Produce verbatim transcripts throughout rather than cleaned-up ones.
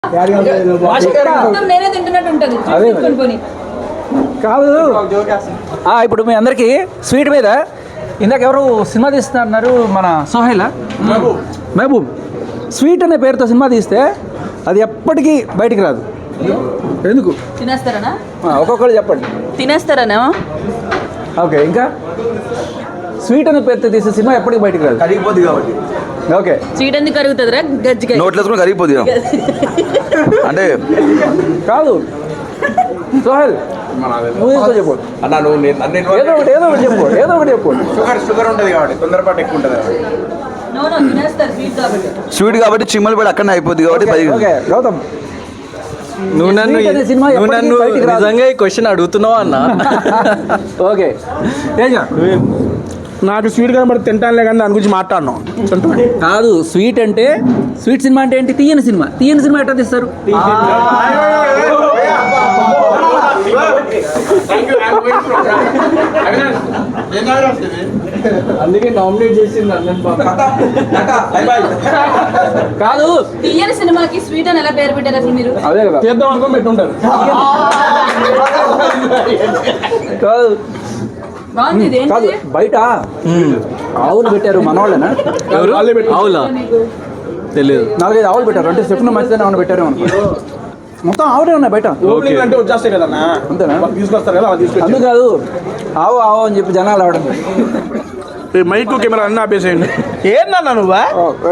నేనే తింటున్నట్టు ఉంటుంది కాదు. ఇప్పుడు మీ అందరికి స్వీట్ మీద ఇందాక ఎవరు సినిమా తీస్తున్నారు, మన సోహైలా మహబూబ్. స్వీట్ అనే పేరుతో సినిమా తీస్తే అది ఎప్పటికీ బయటికి రాదు. ఎందుకు? తినేస్తారనా? ఒక్కొక్కరు చెప్పండి. తినేస్తారనా? ఓకే. ఇంకా స్వీట్ అనే పేరుతో తీసే సినిమా ఎప్పటికీ బయటికి రాదు, కరిగిపోద్ది కాబట్టి. ఓకే. స్వీట్ ఎందుకు కరుగుతుంది రా? గజ్జికాయ నోట్లో వేసుకుని కరిగిపోద్ది అంటే కాదు. సోహెల్ నువ్వు చెప్పు అన్న, నువ్వు ఏదో ఒకటి ఏదో ఒకటి చెప్పు ఏదో ఒకటి చెప్పు షుగర్ షుగర్ ఉంటుంది కాబట్టి తొందరపాటు ఎక్కువ ఉంటుంది కాబట్టి. నో నో తినేస్తారు స్వీట్ కాబట్టి. స్వీట్ కాబట్టి చిమ్మలు పడి అక్కడనే అయిపోద్ది కాబట్టి పది. ఓకే గౌతమ్, నువ్వు నన్ను నువ్వు నన్ను నిజంగా ఈ క్వశ్చన్ అడుగుతున్నావు అన్న. ఓకే తేజ, నాకు స్వీట్ కనబడి తింటానులే కానీ దాని గురించి మాట్లాడను. కాదు. స్వీట్ అంటే స్వీట్ సినిమా అంటే ఏంటి? తీయని సినిమా. తీయని సినిమా ఎట్లా తీస్తారు? అందుకే నామినేట్ చేసింది అన్నది. కాదు. తీయని సినిమాకి స్వీట్ అని ఎలా పేరు పెట్టారు అసలు మీరు? అదే కదా, చేద్దాం అనుకోని పెట్టుంటారు. కాదు బాగుంది ఇది. కాదు. ఏంటి? బయట ఆవులు పెట్టారు, మనవాళ్ళేనా? ఎవరు? అవులా తెలియదు. నాలుగైదు ఆవులు పెట్టారు. అంటే చెప్పిన మంచిదని ఆవును పెట్టారు అనుకో. మొత్తం ఆవులే ఉన్నాయి బయట. ఓపెనింగ్ అంటే వచ్చేస్తాయి కదా అంతేనా? తీసుకొస్తారు కదా, అలా తీసుకొచ్చి అందుకు కాదు, ఆవు ఆవు అని చెప్పి జనాలు ఆవడం. మైకు కెమెరా అన్నీ ఆపేసేయండి. ఏందన్నా నువ్వా?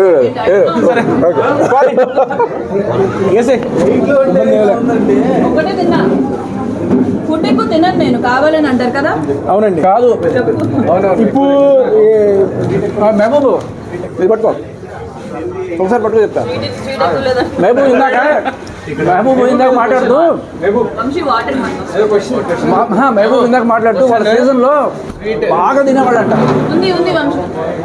ఒకటే తిన్నా. ఫుడ్ ఎక్కువ తినను నేను, కావాలని అంటారు కదా. అవునండి. కాదు ఇప్పుడు మహబూబు ఇది పట్టుకో, ఒకసారి పట్టుకో చెప్తా. స్వీట్ ఎక్కువ లేదా? మహబూబ్ ఇందాక మహబూబ్ ఇందాక మాట్లాడుతూ వంశీ వాటర్ మా- మహబూబ్ ఇందాక మాట్లాడుతూ వాళ్ళ సీజన్ లో బాగా తినేవాళ్ళంట. ఉంది ఉంది వంశీ.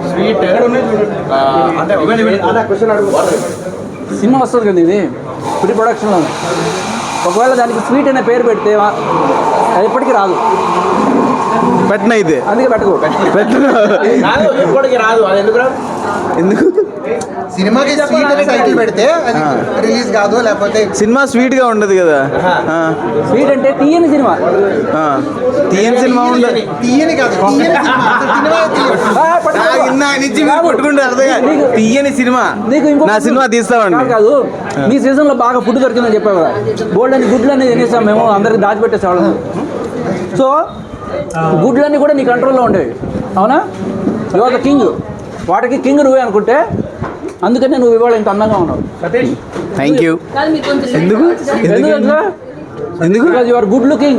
సినిమా వస్తుంది కదా, ఇది ప్రీ ప్రొడక్షన్లో. ఒకవేళ దానికి స్వీట్ అనే పేరు పెడితే అది ఎప్పటికీ రాదు. పెట్టిన అయితే అందుకే పెట్టుకో. ఇప్పటికి రాదు. అది ఎందుకు రాదు? ఎందుకు? సినిమాకి స్వీట్ అనే టైటిల్ పెడితే అది రిలీజ్ కాదు, లేకపోతే సినిమా స్వీట్ గా ఉండదు కదా. ఆ, స్వీట్ అంటే తీయని సినిమా. ఆ. తీయని సినిమా ఉండదు. తీయని కాదు, తీయని సినిమా. అసలు సినిమా తీయదు. ఆ, పట్టుకో. నాకు ఇందా నుంచి మీరు కొట్టుకుంటే అర్థం కాదు. తీయని సినిమా. నీకు ఇంకో నా సినిమా తీస్తామండి. కాదు, కాదు మీ సీజన్ లో బాగా ఫుడ్ దొరికిందని చెప్పావు కదా. బోల్డ్ అని గుడ్లు అనేది తినేసాం మేము, అందరికి దాచిపెట్టేసేవాళ్ళం. సో గుడ్లన్నీ కూడా నీ కంట్రోల్లో ఉండేవి, అవునా? You are the king. వాటికి కింగ్ నువ్వే అనుకుంటే అందుకనే నువ్వు ఇవాళ ఇంత అందంగా ఉన్నావు. Thank you. కాదు మీరు కొంచెం ఎందుకు? ఎందుకంటే ఎందుకు? You are good looking.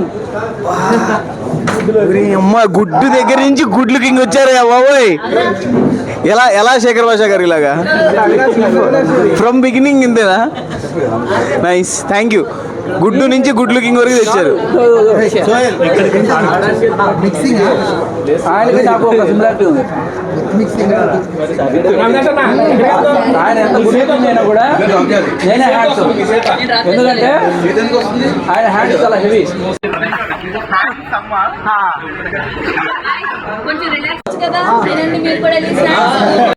అమ్మ, గుడ్డు దగ్గర నుంచి గుడ్ లుకింగ్ వచ్చారు బాబోయ్. ఎలా ఎలా శేఖర్ భాష గారు ఇలాగా ఫ్రమ్ బిగినింగ్ ఇంతేనా? Nice, thank you. గుడ్డు నుంచి గుడ్ లుకింగ్ వరకు తెచ్చారు. మిక్సింగ్ ఆయనకి నాకు ఒక సిమిలారిటీ ఉంది. మిక్సింగ్ ఆయన ఎంత గుడ్ లుకింగ్ అయినా కూడా నేనే హ్యాండ్స్, ఎందుకంటే ఆయన హ్యాండ్స్ చాలా హెవీ. కొంచెం రిలాక్స్ కదా. తినండి మీరు కూడా వెళ్ళి స్నాక్స్.